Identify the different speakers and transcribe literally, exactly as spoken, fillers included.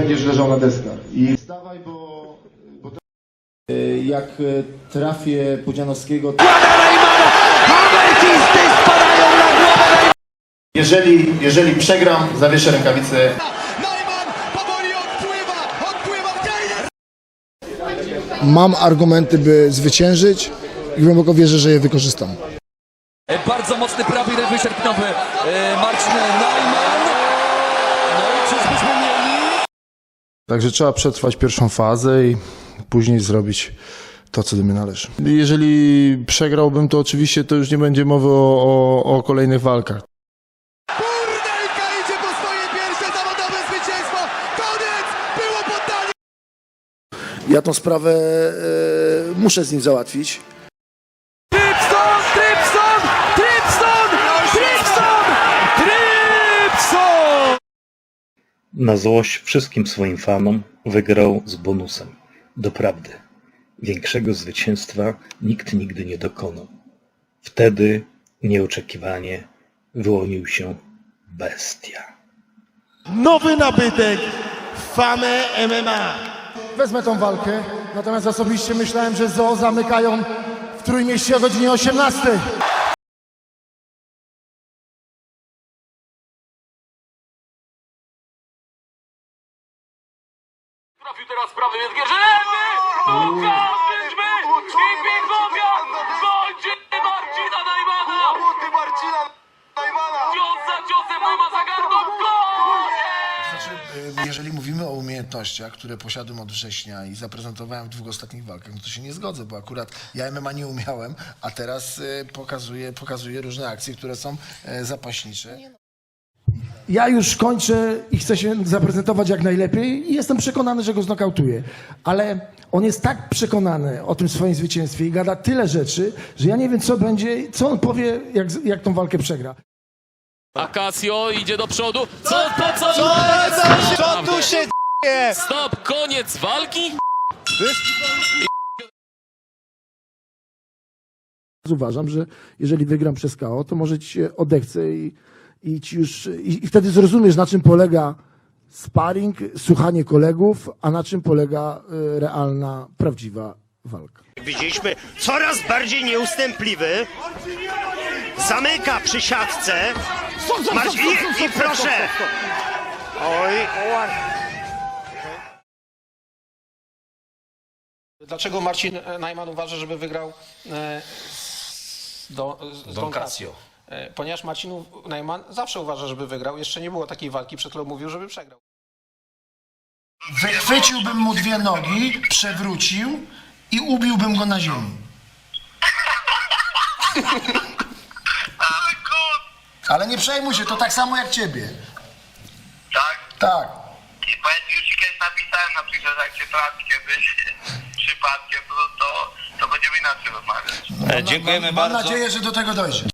Speaker 1: będziesz leżał na deskach. I wstawaj, bo... bo to... Jak trafię Pudzianowskiego... Jeżeli, jeżeli przegram, zawieszę rękawice.
Speaker 2: Mam argumenty, by zwyciężyć i głęboko wierzę, że je wykorzystam.
Speaker 3: Bardzo mocny prawy lewy sierpniowy Marcin Najman. No i czyżbyśmy mieli?
Speaker 2: Także trzeba przetrwać pierwszą fazę i później zrobić to, co do mnie należy. Jeżeli przegrałbym, to oczywiście to już nie będzie mowy o, o, o kolejnych walkach.
Speaker 4: Kurnelka idzie po swoje pierwsze zawodowe zwycięstwo. Koniec! Było poddanie!
Speaker 2: Ja tą sprawę e, muszę z nim załatwić.
Speaker 3: Trypson! Trypson! Trypson! Trypson! Trypson!
Speaker 5: Na złość wszystkim swoim fanom wygrał z bonusem. Doprawdy, większego zwycięstwa nikt nigdy nie dokonał. Wtedy nieoczekiwanie wyłonił się bestia.
Speaker 4: Nowy nabytek Fame M M A.
Speaker 2: Wezmę tą walkę, natomiast osobiście myślałem, że zoo zamykają w Trójmieście o godzinie osiemnastej.
Speaker 3: Trafił teraz prawy Edgerzyny! Ukażmy! I Pingowia! Kończy Marcina Najmana!
Speaker 4: Łomoty Marcina Najmana!
Speaker 3: Cios za ciosem Najman za gardło! Koniec!
Speaker 2: Znaczy, jeżeli mówimy o umiejętnościach, które posiadłem od września i zaprezentowałem w dwóch ostatnich walkach, no to się nie zgodzę, bo akurat ja M M A nie umiałem, a teraz y, pokazuję, pokazuję różne akcje, które są y, zapaśnicze. Ja już kończę i chcę się zaprezentować jak najlepiej i jestem przekonany, że go znokautuję. Ale on jest tak przekonany o tym swoim zwycięstwie i gada tyle rzeczy, że ja nie wiem, co będzie, co on powie, jak, jak tą walkę przegra.
Speaker 3: Akacjo idzie do przodu. Co, po co?
Speaker 4: Co, co, co tu się dzieje?
Speaker 3: Stop, koniec walki?
Speaker 2: Uważam, że jeżeli wygram przez K O, to może ci się odechce i, i, ci już, i, i wtedy zrozumiesz, na czym polega sparring, słuchanie kolegów, a na czym polega y, realna, prawdziwa walka.
Speaker 6: Widzieliśmy coraz bardziej nieustępliwy. Zamyka przy siatce. Marcin, i, i proszę. Oj.
Speaker 7: Dlaczego Marcin Najman uważa, żeby wygrał e, z, do, z Don Casio? E, ponieważ Marcin Najman zawsze uważa, żeby wygrał. Jeszcze nie było takiej walki, przed którą mówił, żeby przegrał.
Speaker 2: Wychwyciłbym mu dwie nogi, przewrócił i ubiłbym go na ziemi. Ale nie przejmuj się, to tak samo jak ciebie.
Speaker 8: Tak?
Speaker 2: Tak.
Speaker 8: I powiedz, już ci kiedyś napisałem na przykład, jak cię trafi kiedyś przypadkiem, to, to, to będziemy inaczej rozmawiać.
Speaker 5: Dziękujemy
Speaker 2: Mam
Speaker 5: bardzo.
Speaker 2: nadzieję, że do tego dojdzie.